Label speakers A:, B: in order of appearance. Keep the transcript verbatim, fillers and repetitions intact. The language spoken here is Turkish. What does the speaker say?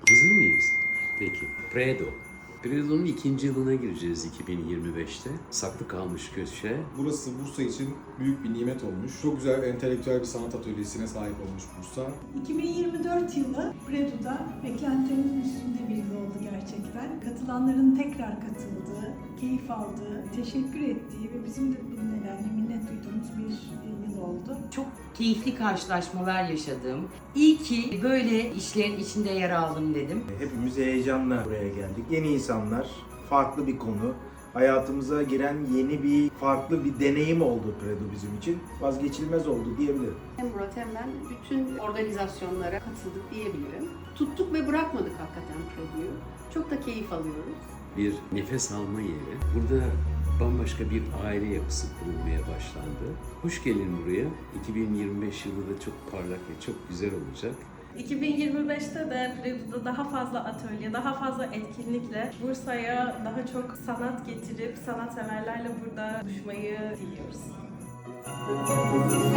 A: Hazır mıyız? Peki. Predo. Predo'nun ikinci yılına gireceğiz iki bin yirmi beşte. Saklı kalmış köşe.
B: Burası Bursa için büyük bir nimet olmuş. Çok güzel entelektüel bir sanat atölyesine sahip olmuş Bursa.
C: iki bin yirmi dört yılı Predo'da beklentilerimizin üstünde bir yıl oldu gerçekten. Katılanların tekrar katıldığı, keyif aldığı, teşekkür ettiği ve bizim de bu nedenle minnet duyduğumuz bir yıl oldu.
D: Çok keyifli karşılaşmalar yaşadım. İyi ki böyle işlerin içinde yer aldım dedim.
E: Hepimiz heyecanla buraya geldik. Yeni insanlar, farklı bir konu. Hayatımıza giren yeni bir, farklı bir deneyim oldu Predo bizim için. Vazgeçilmez oldu diyebilirim.
F: Hem Murat hem ben bütün organizasyonlara katıldık diyebilirim. Tuttuk ve bırakmadık hakikaten Predo'yu. Çok da keyif alıyoruz.
A: Bir nefes alma yeri. Burada bambaşka bir aile yapısı kurulmaya başlandı. Hoş gelin buraya. iki bin yirmi beş yılı da çok parlak ve çok güzel olacak.
G: iki bin yirmi beşte de Predo'da daha fazla atölye, daha fazla etkinlikle Bursa'ya daha çok sanat getirip sanatseverlerle burada buluşmayı diliyoruz.